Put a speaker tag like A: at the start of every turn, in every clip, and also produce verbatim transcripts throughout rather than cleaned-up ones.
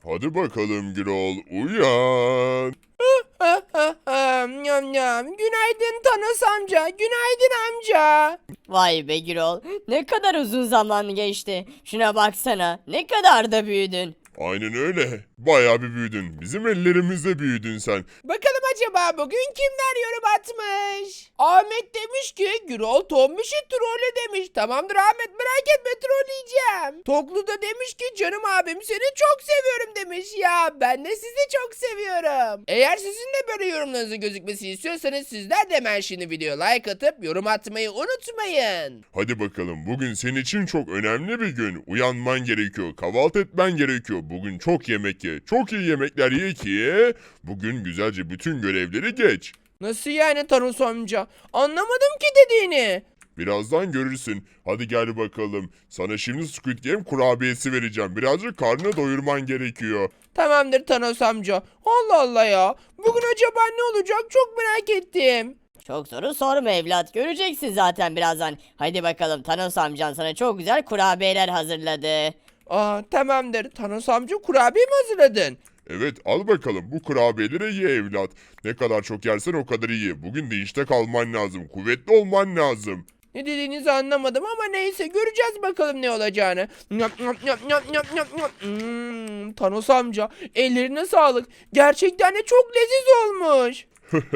A: Hadi bakalım Gürol uyan.
B: Ha ha ha, nyam nyam. Günaydın Thanos amca. Günaydın amca.
C: Vay be Gürol. Ne kadar uzun zaman geçti. Şuna baksana. Ne kadar da büyüdün.
A: Aynen öyle. Bayağı bir büyüdün. Bizim ellerimizde büyüdün sen.
B: Bakalım acaba bugün kimler yorum atmış? Ahmet demiş ki Gürol Tombiş'i trolle demiş. Tamamdır Ahmet, merak etme, trolleyeceğim. Toklu da demiş ki canım abim seni çok seviyorum demiş. Ya ben de sizi çok seviyorum. Eğer sizin de böyle yorumlarınızın gözükmesini istiyorsanız sizler de hemen şimdi video like atıp yorum atmayı unutmayın.
A: Hadi bakalım bugün senin için çok önemli bir gün. Uyanman gerekiyor. Kahvaltı etmen gerekiyor. Bugün çok yemek ye. Çok iyi yemekler ye ki bugün güzelce bütün görevleri geç.
B: Nasıl yani Thanos amca? Anlamadım ki dediğini.
A: Birazdan görürsün. Hadi gel bakalım. Sana şimdi Squid Game kurabiyesi vereceğim. Birazcık karnını doyurman gerekiyor.
B: Tamamdır Thanos amca. Allah Allah ya. Bugün acaba ne olacak çok merak ettim.
C: Çok soru sorma evlat. Göreceksin zaten birazdan. Hadi bakalım Thanos amcan sana çok güzel kurabiyeler hazırladı.
B: Aa tamamdır. Thanos amca kurabiye mi hazırladın?
A: Evet al bakalım bu kurabiyeleri ye evlat. Ne kadar çok yersen o kadar iyi. Bugün de işte kalman lazım. Kuvvetli olman lazım.
B: Ne dediğinizi anlamadım ama neyse göreceğiz bakalım ne olacağını. Nyap, nyap, nyap, nyap, nyap, nyap, nyap. Hmm, Thanos amca ellerine sağlık. Gerçekten de çok leziz olmuş.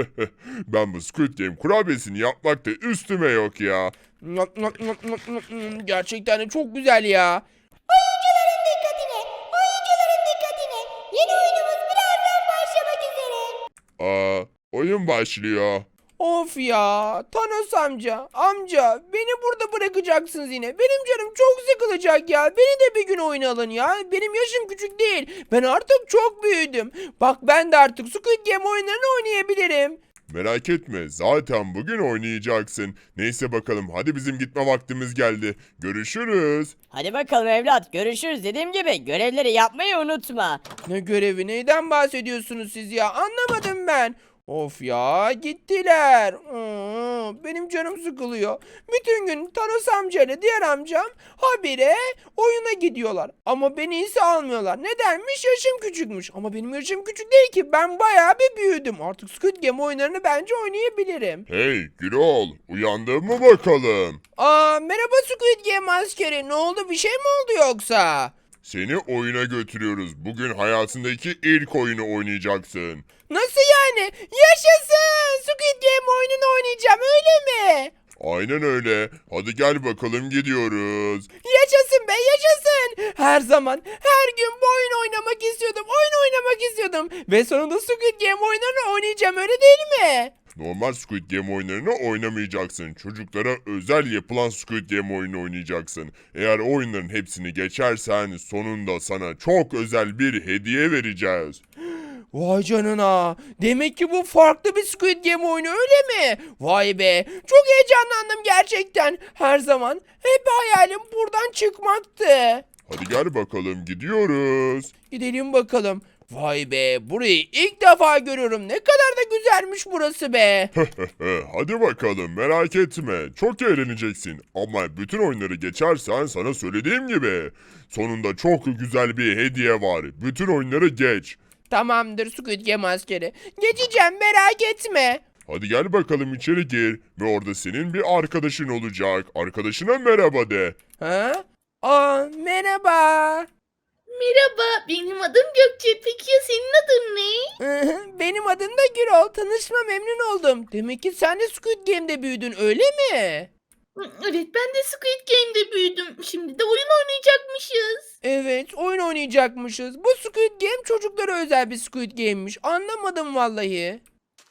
A: Ben bu Squid Game kurabiyesini yapmakta üstüme yok ya.
B: Nyap, nyap, nyap, nyap, nyap. Hmm, gerçekten de çok güzel ya.
D: Oyuncuların dikkatine, oyuncuların dikkatine. Yeni oyunumuz birazdan başlamak üzere.
A: Aa, oyun başlıyor.
B: Of ya Thanos amca amca beni burada bırakacaksınız yine. Benim canım çok sıkılacak ya. Beni de bir gün oyuna alın ya. Benim yaşım küçük değil. Ben artık çok büyüdüm. Bak ben de artık Squid Game oyunlarını oynayabilirim.
A: Merak etme zaten bugün oynayacaksın. Neyse bakalım hadi bizim gitme vaktimiz geldi. Görüşürüz.
C: Hadi bakalım evlat. Görüşürüz. Dediğim gibi görevleri yapmayı unutma.
B: Ne görevi, neyden bahsediyorsunuz siz ya? Anlamadım ben. Of ya gittiler. Hmm, benim canım sıkılıyor. Bütün gün Thanos amcayla diğer amcam habire oyuna gidiyorlar. Ama beni ise almıyorlar. Nedenmiş? Yaşım küçükmüş. Ama benim yaşım küçük değil ki. Ben bayağı bir büyüdüm. Artık Squid Game oyunlarını bence oynayabilirim.
A: Hey Gürol uyandın mı bakalım?
B: Aa, merhaba Squid Game askeri. Ne oldu? Bir şey mi oldu yoksa?
A: Seni oyuna götürüyoruz. Bugün hayatındaki ilk oyunu oynayacaksın.
B: Nasıl yani? Yaşasın! Squid Game oyununu oynayacağım öyle mi?
A: Aynen öyle. Hadi gel bakalım gidiyoruz.
B: Yaşasın be yaşasın! Her zaman her gün bu oyunu oynamak istiyordum. Oyun oynamak istiyordum. Ve sonunda Squid Game oyunlarını oynayacağım öyle değil mi?
A: Normal Squid Game oyunlarını oynamayacaksın. Çocuklara özel yapılan Squid Game oyunu oynayacaksın. Eğer o oyunların hepsini geçersen sonunda sana çok özel bir hediye vereceğiz.
B: Vay canına. Demek ki bu farklı bir Squid Game oyunu öyle mi? Vay be. Çok heyecanlandım gerçekten. Her zaman hep hayalim buradan çıkmaktı.
A: Hadi gel bakalım gidiyoruz.
B: Gidelim bakalım. Vay be. Burayı ilk defa görüyorum. Ne kadar da güzelmiş burası be.
A: Hadi bakalım merak etme. Çok eğleneceksin. Ama bütün oyunları geçersen sana söylediğim gibi. Sonunda çok güzel bir hediye var. Bütün oyunları geç.
B: Tamamdır Squid Game askeri. Geçeceğim merak etme.
A: Hadi gel bakalım içeri gir ve orada senin bir arkadaşın olacak. Arkadaşına merhaba de.
B: Ha? Aa, merhaba.
D: Merhaba, benim adım Gökçe. Peki ya senin adın ne?
B: Benim adım da Gürol. Tanışma memnun oldum. Demek ki sen de Squid Game'de büyüdün öyle mi?
D: Evet, ben de Squid Game'de büyüdüm. Şimdi de oyun oynayacakmışız.
B: Evet, oyun oynayacakmışız. Bu Squid Game çocuklara özel bir Squid Game'miş. Anlamadım vallahi.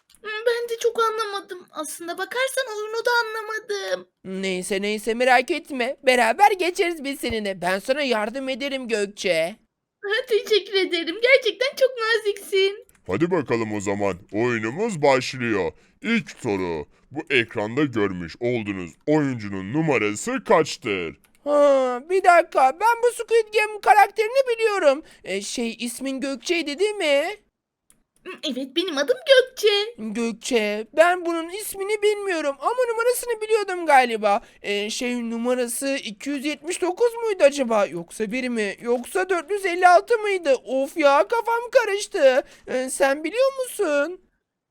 D: Ben de çok anlamadım. Aslında bakarsan oyunu da anlamadım.
B: Neyse neyse merak etme. Beraber geçeriz biz seninle. Ben sana yardım ederim Gökçe.
D: Teşekkür ederim. Gerçekten çok naziksin.
A: Hadi bakalım o zaman. Oyunumuz başlıyor. İlk soru. Bu ekranda görmüş olduğunuz oyuncunun numarası kaçtır?
B: Ha, bir dakika. Ben bu Squid Game karakterini biliyorum. E, şey ismin Gökçe'ydi değil mi?
E: Evet, benim adım Gökçe.
B: Gökçe, ben bunun ismini bilmiyorum ama numarasını biliyordum galiba. Ee, şey numarası iki yüz yetmiş dokuz muydu acaba? Yoksa bir mi? Yoksa dört yüz elli altı mıydı? Of ya, kafam karıştı. Ee, sen biliyor musun?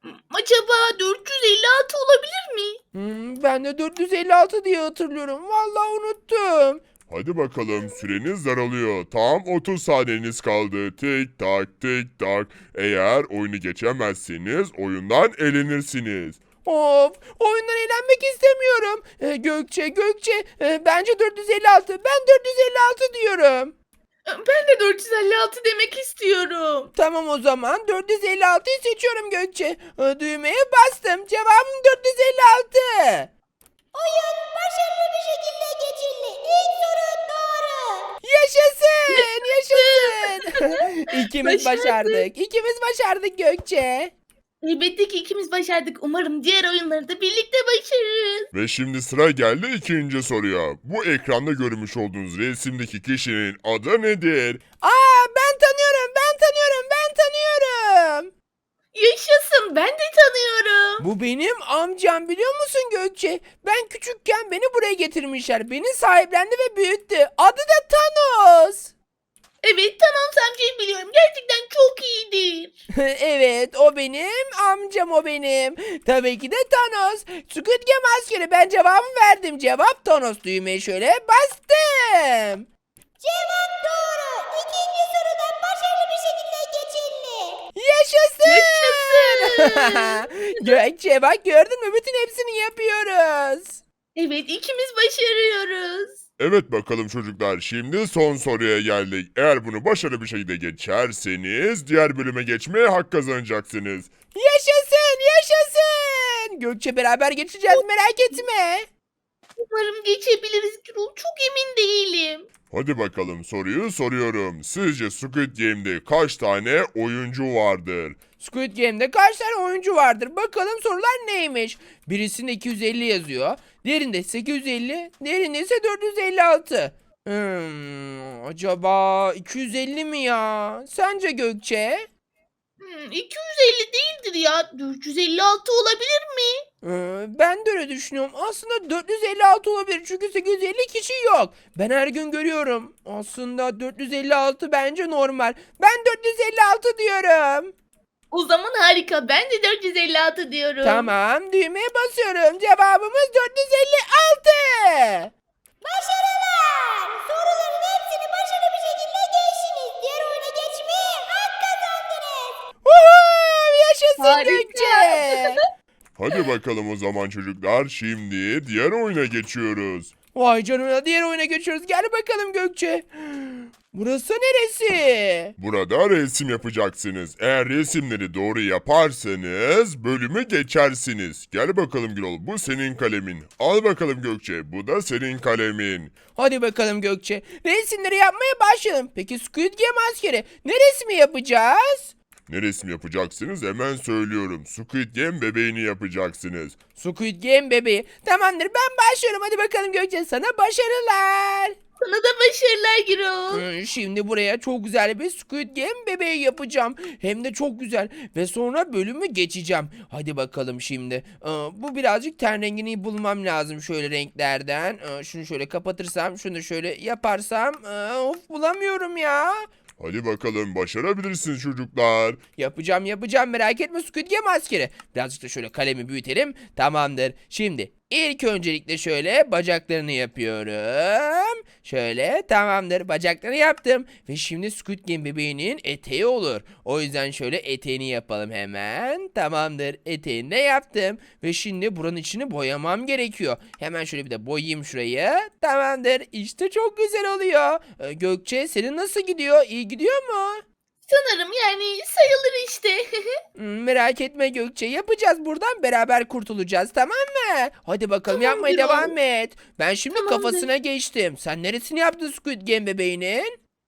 E: Acaba dört yüz elli altı olabilir mi?
B: Hmm, ben de dört yüz elli altı diye hatırlıyorum. Vallahi unuttum.
A: Hadi bakalım süreniz daralıyor. Tam otuz saniyeniz kaldı. Tik tak tik tak. Eğer oyunu geçemezseniz oyundan elenirsiniz.
B: Of, oyundan eğlenmek istemiyorum. Ee, Gökçe, Gökçe, e, bence dört yüz elli altı. Ben dört yüz elli altı diyorum.
E: Ben de dört yüz elli altı demek istiyorum.
B: Tamam, o zaman dört yüz elli altıyı seçiyorum Gökçe. Ee, Düğmeye bastım. Cevabım dört yüz elli altı.
D: Oyun başarılı bir şekilde geçildi. İlk soru doğru.
B: Yaşasın, yaşasın. İkimiz
E: Başardık.
B: başardık. İkimiz başardık Gökçe.
E: Elbette ki ikimiz başardık. Umarım diğer oyunları da birlikte başarırız.
A: Ve şimdi sıra geldi ikinci soruya. Bu ekranda görmüş olduğunuz resimdeki kişinin adı nedir?
B: Aa, ben tanıyorum, ben tanıyorum, ben tanıyorum.
E: Yaşasın, ben de tanıyorum.
B: Bu benim amcam, biliyor musun Gökçe? Ben küçükken beni buraya getirmişler. Beni sahiplendi ve büyüttü. Adı da Thanos.
E: Evet, Thanos amcayı biliyorum. Gerçekten çok iyidir.
B: Evet, o benim amcam, o benim. Tabii ki de Thanos. Squid Game askeri, ben cevabımı verdim. Cevap Thanos. Düğmeye şöyle bastım.
D: Cevap doğru. İkinci soruda başarılı bir şekilde geçildi.
B: Yaşasın.
E: Yaşasın.
B: Gökçe, bak gördün mü? Bütün hepsini yapıyoruz.
E: Evet, ikimiz başarıyoruz.
A: Evet bakalım çocuklar, şimdi son soruya geldik. Eğer bunu başarılı bir şekilde geçerseniz diğer bölüme geçmeye hak kazanacaksınız.
B: Yaşasın, yaşasın. Gökçe, beraber geçeceğiz, merak etme.
E: Umarım geçebiliriz Gürol. Çok emin değilim.
A: Hadi bakalım, soruyu soruyorum. Sizce Squid Game'de kaç tane oyuncu vardır?
B: Squid Game'de kaç tane oyuncu vardır? Bakalım sorular neymiş? Birisinde iki yüz elli yazıyor. Diğerinde sekiz yüz elli. Diğerinde ise dört yüz elli altı. Hmm, acaba iki yüz elli mi ya? Sence Gökçe?
E: Hmm, iki yüz elli değildir ya. dört yüz elli altı olabilir mi?
B: Ee, ben de öyle düşünüyorum. Aslında dört yüz elli altı olabilir çünkü sekiz yüz elli kişi yok. Ben her gün görüyorum. Aslında dört yüz elli altı bence normal. Ben dört yüz elli altı diyorum.
E: O zaman harika. Ben de dört yüz elli altı diyorum.
B: Tamam, düğmeye basıyorum. Cevabımız dört yüz elli altı.
D: Başarılar. Soruların hepsini başarılı bir şekilde geçtiniz. Diğer oyuna geçmeye hak kazandınız.
B: Woohoo! Yaşasın
E: Harika.
B: Gökçe.
A: Hadi bakalım o zaman çocuklar, şimdi diğer oyuna geçiyoruz.
B: Vay canına, diğer oyuna geçiyoruz. Gel bakalım Gökçe. Burası neresi?
A: Burada resim yapacaksınız. Eğer resimleri doğru yaparsanız bölümü geçersiniz. Gel bakalım Gürol, bu senin kalemin. Al bakalım Gökçe, bu da senin kalemin.
B: Hadi bakalım Gökçe. Resimleri yapmaya başlayalım. Peki Squid Game askeri, ne resmi yapacağız?
A: Ne resim yapacaksınız hemen söylüyorum. Squid Game bebeğini yapacaksınız.
B: Squid Game bebeği. Tamamdır, ben başlıyorum. Hadi bakalım Gökçe, sana başarılar.
E: Sana da başarılar Gürol.
B: Ee, Şimdi buraya çok güzel bir Squid Game bebeği yapacağım. Hem de çok güzel. Ve sonra bölümü geçeceğim. Hadi bakalım şimdi. Ee, Bu birazcık ten rengini bulmam lazım şöyle renklerden. Ee, Şunu şöyle kapatırsam, şunu şöyle yaparsam. Ee, Of, bulamıyorum ya.
A: Hadi bakalım, başarabilirsiniz çocuklar.
B: Yapacağım, yapacağım, merak etme Squid Game askeri. Birazcık da şöyle kalemi büyütelim. Tamamdır. Şimdi ilk öncelikle şöyle bacaklarını yapıyorum. Şöyle, tamamdır, bacaklarını yaptım. Ve şimdi Squid Game bebeğinin eteği olur. O yüzden şöyle eteğini yapalım hemen. Tamamdır, eteğini de yaptım. Ve şimdi buranın içini boyamam gerekiyor. Hemen şöyle bir de boyayayım şurayı. Tamamdır, işte çok güzel oluyor. Ee, Gökçe, senin nasıl gidiyor? İyi gidiyor mu?
E: Sanırım yani sayılır işte.
B: Hmm, Merak etme Gökçe, yapacağız, buradan beraber kurtulacağız, tamam mı? Hadi bakalım,
E: Tamam,
B: yapmaya
E: Gürol.
B: devam et. Ben şimdi
E: Tamamdır.
B: kafasına geçtim. Sen neresini yaptın Squid Game bebeğinin?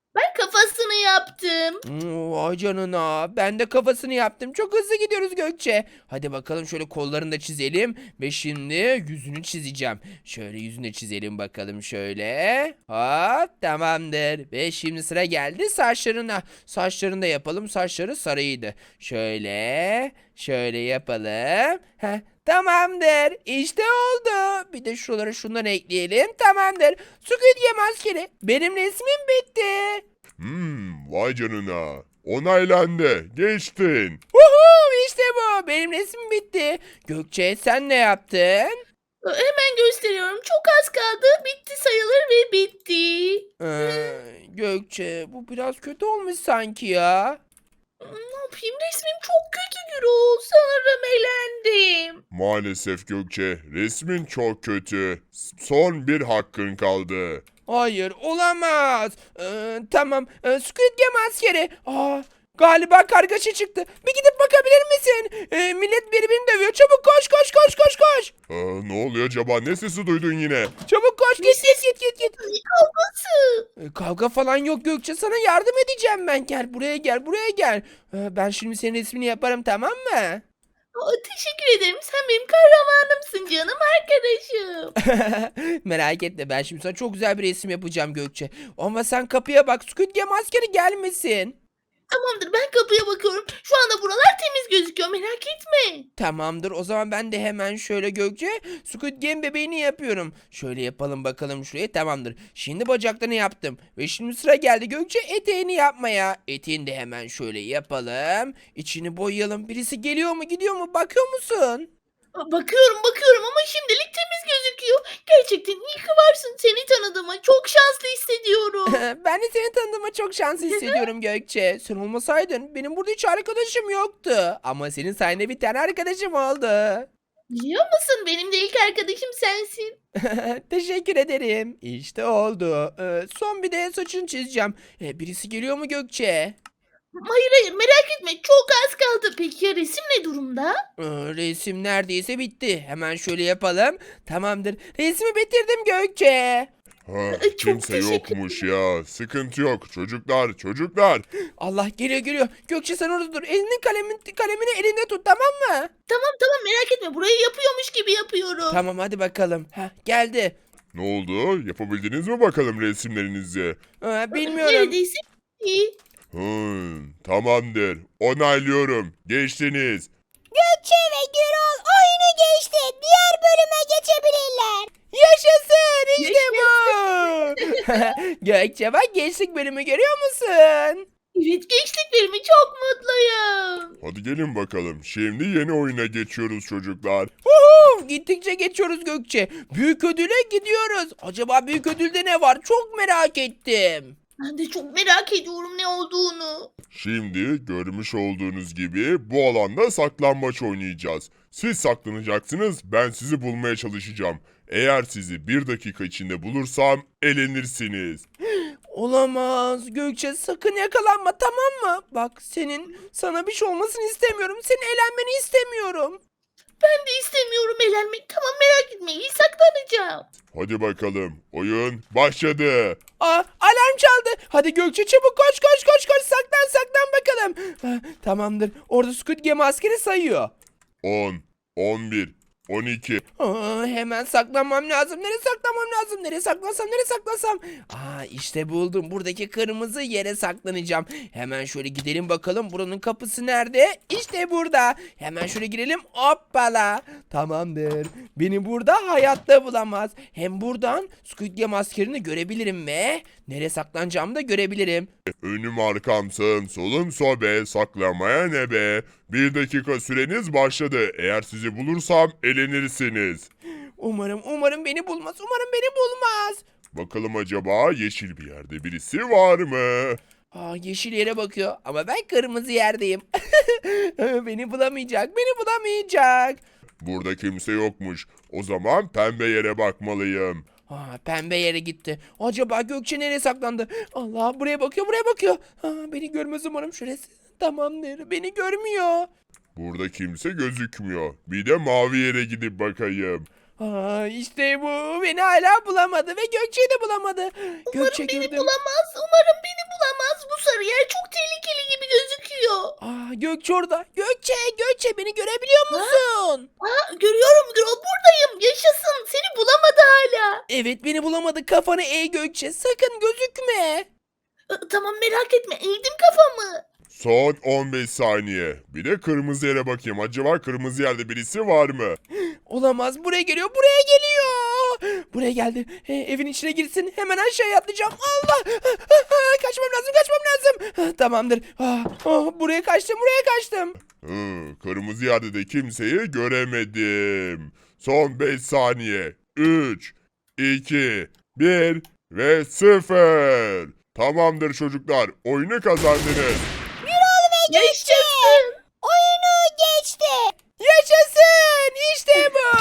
E: Ben kafasını yaptım.
B: Hmm, Vay canına. Ben de kafasını yaptım. Çok hızlı gidiyoruz Gökçe. Hadi bakalım şöyle kollarını da çizelim. Ve şimdi yüzünü çizeceğim. Şöyle yüzünü de çizelim bakalım şöyle. Hop tamamdır. Ve şimdi sıra geldi saçlarına. Saçlarını da yapalım. Saçları sarıydı. Şöyle. Şöyle yapalım. Heh, tamamdır. İşte oldu. Bir de şuralara şunları ekleyelim. Tamamdır. Squid Game askeri. Benim resmim bitti.
A: Hmm, vay canına. Onaylandı. Geçtin.
B: Woohoo işte bu. Benim resmim bitti. Gökçe sen ne yaptın?
E: Hemen gösteriyorum. Çok az kaldı. Bitti sayılır ve bitti.
B: Ee, Gökçe bu biraz kötü olmuş sanki ya.
E: Ne yapayım? Resmim çok kötü Gürol. Sanırım elendim.
A: Maalesef Gökçe, resmin çok kötü. Son bir hakkın kaldı.
B: Hayır olamaz. Ee, tamam. Ee, Squid Game askeri. Aa, galiba kargaşa çıktı. Bir gidip bakabilir misin? Ee, millet birbirini dövüyor. Çabuk koş koş koş koş koş.
A: Aa, ne oluyor acaba? Ne sesi duydun yine?
B: Çabuk koş git git git git git.
E: Ne kavgası?
B: Ee, Kavga falan yok Gökçe, sana yardım edeceğim ben. Gel buraya gel buraya gel. Ee, ben şimdi senin resmini yaparım, tamam mı?
E: Aa, teşekkür ederim. Sen benim kahramanımsın canım arkadaşım.
B: Merak etme, ben şimdi sana çok güzel bir resim yapacağım Gökçe. Ama sen kapıya bak, Squid Game askeri gelmesin.
E: Tamamdır, ben kapıya bakıyorum. Şu anda buralar temiz gözüküyor, merak etme.
B: Tamamdır, o zaman ben de hemen şöyle Gökçe Squid Game bebeğini yapıyorum. Şöyle yapalım bakalım şuraya, tamamdır. Şimdi bacaklarını yaptım. Ve şimdi sıra geldi Gökçe eteğini yapmaya. Eteğini de hemen şöyle yapalım. İçini boyayalım. Birisi geliyor mu gidiyor mu, bakıyor musun?
E: Aa, bakıyorum bakıyorum ama şimdilik temiz gözüküyor. Gerçekten iyi ki varsın. Seni tanıdığıma çok şanslı hissediyorum.
B: Ben de seni tanıdığıma çok şanslı hissediyorum Gökçe. Sen olmasaydın benim burada hiç arkadaşım yoktu. Ama senin sayende bir tane arkadaşım oldu.
E: Biliyor musun, benim de ilk arkadaşım sensin.
B: Teşekkür ederim. İşte oldu. Ee, son bir de saçını çizeceğim. Ee, birisi geliyor mu Gökçe?
E: Hayır hayır, merak etme, çok az kaldı. Peki ya resim ne durumda?
B: Ee, resim neredeyse bitti. Hemen şöyle yapalım. Tamamdır. Resmi bitirdim Gökçe.
A: Ha,
E: Çok
A: kimse
E: teşekkür
A: yokmuş ya. Sıkıntı yok. Çocuklar, çocuklar.
B: Allah, geliyor geliyor. Gökçe sen orada dur. Elini kalemin, kalemini elinde tut, tamam mı?
E: Tamam tamam, merak etme, burayı yapıyormuş gibi yapıyorum.
B: Tamam hadi bakalım. Heh, geldi.
A: Ne oldu? Yapabildiniz mi bakalım resimlerinizi?
B: Ee, bilmiyorum.
E: Neredeyse iyi.
A: Hmm, tamamdır. Onaylıyorum. Geçtiniz.
D: Gökçe ve Gürol oyunu geçti. Diğer bölüme geçebilirler.
B: Yaşasın işte bu. Gökçe bak, geçtik bölümü görüyor musun?
E: Evet, geçtik bölümü, çok mutluyum.
A: Hadi gelin bakalım. Şimdi yeni oyuna geçiyoruz çocuklar.
B: Huhu, gittikçe geçiyoruz Gökçe. Büyük ödüle gidiyoruz. Acaba büyük ödülde ne var? Çok merak ettim.
E: Ben de çok merak ediyorum ne olduğunu.
A: Şimdi görmüş olduğunuz gibi bu alanda saklambaç oynayacağız. Siz saklanacaksınız, ben sizi bulmaya çalışacağım. Eğer sizi bir dakika içinde bulursam elenirsiniz.
B: Olamaz Gökçe, sakın yakalanma, tamam mı? Bak, senin sana bir şey olmasını istemiyorum. Senin eğlenmeni istemiyorum.
E: Ben de istemiyorum eğlenmek. Tamam, merak etme, iyi saklanacağım.
A: Hadi bakalım, oyun başladı.
B: Aa, alarm çaldı. Hadi Gökçe çabuk koş koş koş koş, saklan saklan bakalım. Ha, tamamdır. Orada Squid Game askeri sayıyor.
A: on, on bir, on iki.
B: Aa, hemen saklanmam lazım. Nereye saklanmam lazım? Nereye saklansam? Nereye saklasam? Aa, işte buldum. Buradaki kırmızı yere saklanacağım. Hemen şöyle gidelim bakalım. Buranın kapısı nerede? İşte burada. Hemen şöyle girelim. Hoppala. Tamamdır. Beni burada hayatta bulamaz. Hem buradan Squid Game askerini görebilirim ve nereye saklanacağımı da görebilirim.
A: Önüm arkam sağım solum sobe, saklamaya ne be? Bir dakika süreniz başladı. Eğer sizi bulursam elenirsiniz.
B: Umarım, umarım beni bulmaz. Umarım beni bulmaz.
A: Bakalım acaba yeşil bir yerde birisi var mı?
B: Aa, yeşil yere bakıyor ama ben kırmızı yerdeyim. Beni bulamayacak, beni bulamayacak.
A: Burada kimse yokmuş. O zaman pembe yere bakmalıyım.
B: Aa, pembe yere gitti. Acaba Gökçe nereye saklandı? Allah, buraya bakıyor, buraya bakıyor. Aa, beni görmez umarım şurası. Tamamdır, beni görmüyor.
A: Burada kimse gözükmüyor. Bir de mavi yere gidip bakayım.
B: Aa, işte bu. Beni hala bulamadı ve Gökçe'yi de bulamadı. Gökçe
E: Beni
B: gördüm.
E: bulamaz. Umarım beni bulamaz. yer çok tehlikeli gibi gözüküyor.
B: Aa, Gökçe orada. Gökçe, Gökçe beni görebiliyor musun?
E: Aa, görüyorum Gürol, buradayım. Yaşasın, seni bulamadı hala.
B: Evet, beni bulamadı. Kafanı eğ Gökçe. Sakın gözükme.
E: Aa, tamam, merak etme, eğdim kafamı.
A: Son on beş saniye. Bir de kırmızı yere bakayım. Acaba kırmızı yerde birisi var mı?
B: Olamaz. Buraya geliyor. Buraya geliyor. Buraya geldi. He, evin içine girsin. Hemen aşağıya atlayacağım. Allah. Kaçmam lazım. Kaçmam lazım. Tamamdır. Ah, ah, buraya kaçtım. Buraya kaçtım.
A: Hı, kırmızı yerde de kimseyi göremedim. Son beş saniye. üç, iki, bir ve sıfır. Tamamdır çocuklar. Oyunu kazandınız.
E: Yaşasın.
D: Oyunu geçti.
B: Yaşasın. İşte bu.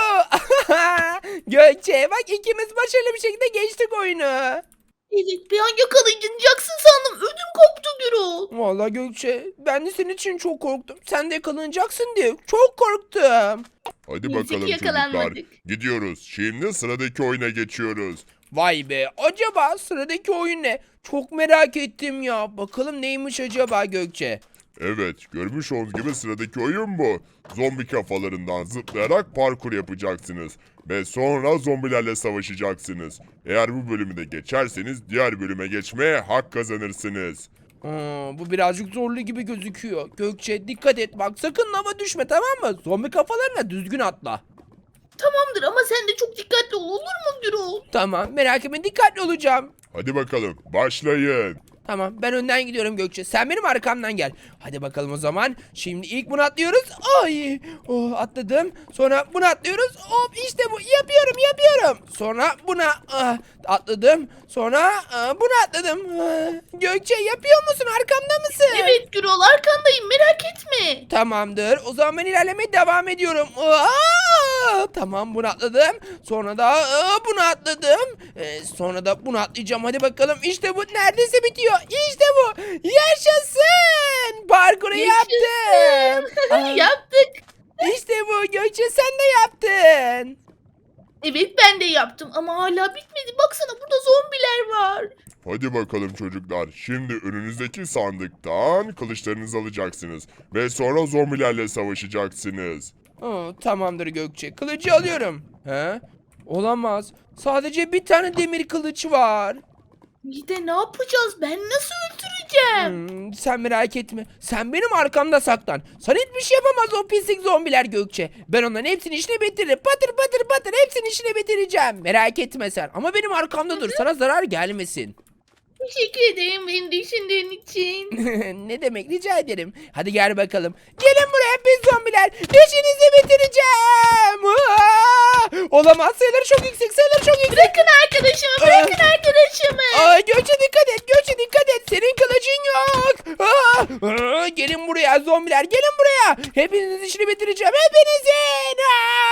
B: Gökçe bak, ikimiz başarılı bir şekilde geçtik oyunu.
E: Evet, bir an yakalanacaksın sandım. Ödüm koptu Gürol.
B: Vallahi Gökçe, ben de senin için çok korktum. Sen de yakalanacaksın diye çok korktum.
A: Hadi
E: Neyse ki
A: bakalım çocuklar.
E: yakalanmadık.
A: Gidiyoruz. Şimdi sıradaki oyuna geçiyoruz.
B: Vay be, acaba sıradaki oyun ne? Çok merak ettim ya. Bakalım neymiş acaba Gökçe?
A: Evet, görmüş olduğunuz gibi sıradaki oyun bu. Zombi kafalarından zıplayarak parkur yapacaksınız. Ve sonra zombilerle savaşacaksınız. Eğer bu bölümü de geçerseniz diğer bölüme geçmeye hak kazanırsınız.
B: Aa, bu birazcık zorlu gibi gözüküyor. Gökçe dikkat et bak, sakın lava düşme, tamam mı? Zombi kafalarına düzgün atla.
E: Tamamdır ama sen de çok dikkatli ol, olur mu Gürol?
B: Tamam, merak etme, dikkatli olacağım.
A: Hadi bakalım, başlayın.
B: Tamam, ben önden gidiyorum Gökçe. Sen benim arkamdan gel. Hadi bakalım o zaman. Şimdi ilk bunu atlıyoruz. Ay! Oh, atladım. Sonra bunu atlıyoruz. Hop, işte bu. Yapıyorum, yapıyorum. Sonra buna ah, atladım. Sonra ah, bunu atladım. Ah, Gökçe, yapıyor musun? Arkamda mısın?
E: Evet Gürol, arkandayım, merak etme.
B: Tamamdır. O zaman ben ilerlemeye devam ediyorum. Aa! Tamam, bunu atladım. Sonra da aa, bunu atladım. Ee, sonra da bunu atlayacağım. Hadi bakalım. İşte bu. Neredeyse bitiyor. İşte bu. Yaşasın. Parkuru yaptım. Aa,
E: Yaptık.
B: İşte bu. Gökçe, sen de yaptın.
E: Evet, ben de yaptım ama hala bitmedi. Baksana, burada zombiler var.
A: Hadi bakalım çocuklar. Şimdi önünüzdeki sandıktan kılıçlarınızı alacaksınız. Ve sonra zombilerle savaşacaksınız.
B: Aa, tamamdır Gökçe. Kılıcı alıyorum. He? Olamaz. Sadece bir tane demir kılıç var.
E: İyi de ne yapacağız? Ben nasıl öldüreceğim?
B: Hmm, sen merak etme. Sen benim arkamda saklan. Sana hiçbir şey yapamaz o pislik zombiler Gökçe. Ben onların hepsini işine bitiririm. Patır patır patır hepsini işine bitireceğim. Merak etme sen. Ama benim arkamda dur. Sana zarar gelmesin.
E: Teşekkür ederim beni düşündüğün için.
B: Ne demek, rica ederim. Hadi gel bakalım. Gelin buraya pis zombiler. İşinizi bitireceğim. Aa! Olamaz, sayıları çok yüksek, sayıları çok yüksek.
E: Bırakın arkadaşımı, bırakın arkadaşımı.
B: Aa, Gökçe dikkat et, Gökçe dikkat et. Senin kılıcın yok. Aa! Aa, gelin buraya zombiler, gelin buraya. Hepinizin işini bitireceğim, hepinizin.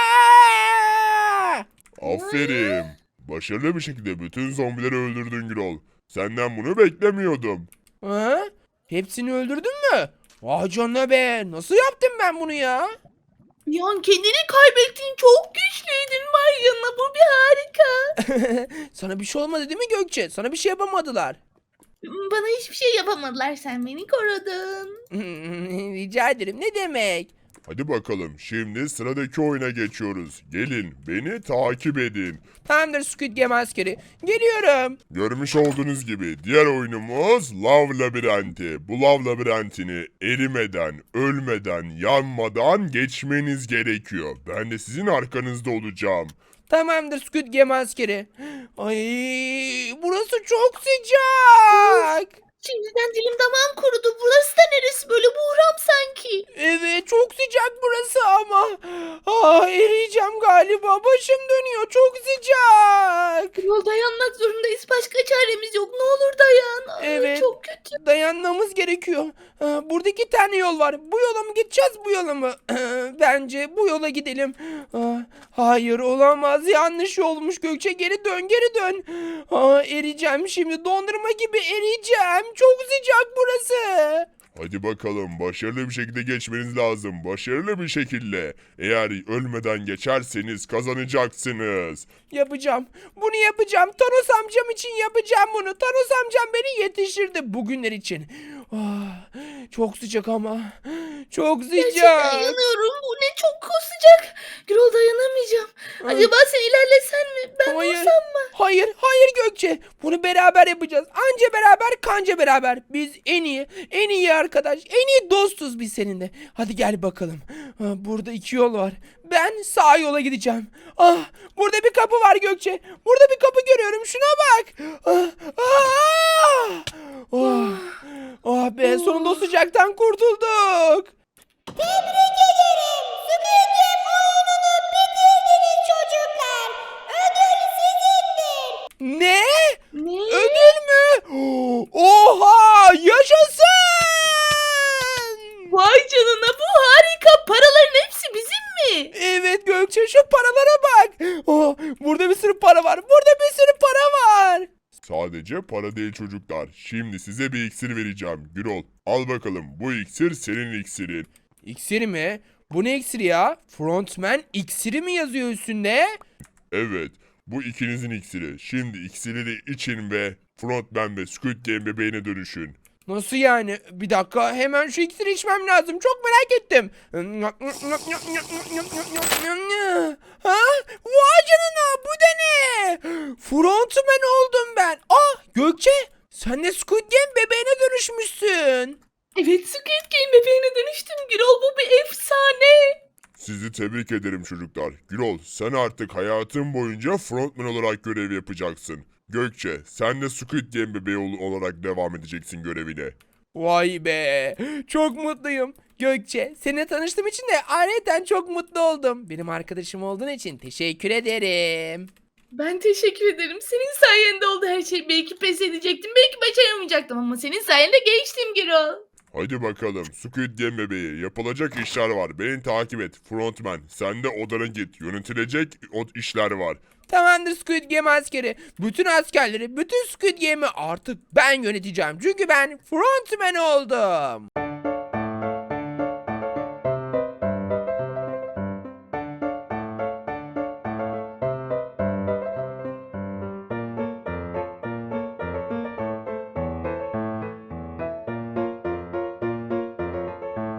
B: Aa!
A: Aferin. Başarılı bir şekilde bütün zombileri öldürdün Gürol. Senden bunu beklemiyordum.
B: Ha? Hepsini öldürdün mü? Vay canına be. Nasıl yaptım ben bunu ya?
E: Bir an kendini kaybettin, çok güçlüydün, var yanına, bu bir harika.
B: Sana bir şey olmadı değil mi Gökçe? Sana bir şey yapamadılar.
E: Bana hiçbir şey yapamadılar, sen beni korudun.
B: Rica ederim. Ne demek?
A: Hadi bakalım şimdi sıradaki oyuna geçiyoruz. Gelin beni takip edin.
B: Tamamdır Squid Game askeri. Geliyorum.
A: Görmüş olduğunuz gibi diğer oyunumuz Lav Labirenti. Bu Lav Labirentini erimeden, ölmeden, yanmadan geçmeniz gerekiyor. Ben de sizin arkanızda olacağım.
B: Tamamdır Squid Game askeri. Ay, burası çok sıcak.
E: Şimdiden dilim damağım kurudu. Burası da neresi böyle, buhram sanki.
B: Evet, çok sıcak burası ama. Ah, eriyeceğim galiba. Başım dönüyor. Çok sıcak.
E: Yol dayanmak zorundayız. Başka çaremiz yok. Ne olur dayan. Ay,
B: Evet.
E: çok kötü.
B: Dayanmamız gerekiyor. Ah, burada iki tane yol var. Bu yola mı gideceğiz, bu yola mı? Bence bu yola gidelim. Ah, hayır, olamaz. Yanlış yolmuş Gökçe. Geri dön, geri dön. Ah, eriyeceğim şimdi. Dondurma gibi eriyeceğim. Çok sıcak burası.
A: Hadi bakalım başarılı bir şekilde geçmeniz lazım. Başarılı bir şekilde. Eğer ölmeden geçerseniz kazanacaksınız.
B: Yapacağım. Bunu yapacağım. Thanos amcam için yapacağım bunu. Thanos amcam beni yetiştirdi bugünler için. Ah, çok sıcak ama. Çok
E: Gerçekten
B: sıcak.
E: yanıyorum. Bu ne çok sıcak. Gürol dayanamayacağım.
B: Ah.
E: Acaba sen ilerlesen mi? Ben
B: Hayır.
E: vursam mı?
B: Hayır, hayır Gökçe. Bunu beraber yapacağız. Anca beraber, kanca beraber. Biz en iyi, en iyi arkadaş, en iyi dostuz biz seninle. Hadi gel bakalım. Ah, burada iki yol var. Ben sağ yola gideceğim. Ah, burada bir kapı var Gökçe. Burada bir kapı görüyorum. Şuna bak. Ah, ah, oh, oh be, sonunda o sıcaktan kurtulduk.
D: Tebrik ederim. Squid Game oyununu bitirdiniz çocuklar. Ödül sizindir.
B: Ne?
E: Ne?
B: Ödül mü? Oha! Yaşasın!
E: Vay canına bu harika. Paraların hepsi bizim mi?
B: Evet Gökçe, şu paralara bak. Oh, burada bir sürü para var. Burada bir sürü para var.
A: Sadece para değil çocuklar. Şimdi size bir iksir vereceğim. Gürol, al bakalım. Bu iksir senin iksirin.
B: İksiri mi? Bu ne iksiri ya? Frontman iksiri mi yazıyor üstünde?
A: Evet, bu ikinizin iksiri. Şimdi iksiri için ve Frontman ve Squid Game bebeğine dönüşün.
B: Nasıl yani? Bir dakika, hemen şu iksiri içmem lazım. Çok merak ettim. Ha? Vay canına, bu da ne? Frontman oldum ben. Ah Gökçe, sen de Squid Game bebeğine dönüşmüşsün.
E: Evet Squid Game bebeğine dönüştüm Gürol. Bu bir efsane.
A: Sizi tebrik ederim çocuklar. Gürol, sen artık hayatın boyunca Frontman olarak görev yapacaksın. Gökçe, sen de Squid Game bebeği ol- olarak devam edeceksin görevine.
B: Vay be, çok mutluyum. Gökçe, seninle tanıştığım için de ayrıca çok mutlu oldum. Benim arkadaşım olduğun için teşekkür ederim.
E: Ben teşekkür ederim. Senin sayende oldu her şey. Belki pes edecektim. Belki başaramayacaktım ama senin sayende geçtim Gürol.
A: Hadi bakalım Squid Game bebeği, yapılacak işler var. Beni takip et Frontman. Sen de odana git. Yönetilecek o işler var.
B: Tamamdır Squid Game askeri. Bütün askerleri, bütün Squid Game'i artık ben yöneteceğim. Çünkü ben frontman oldum.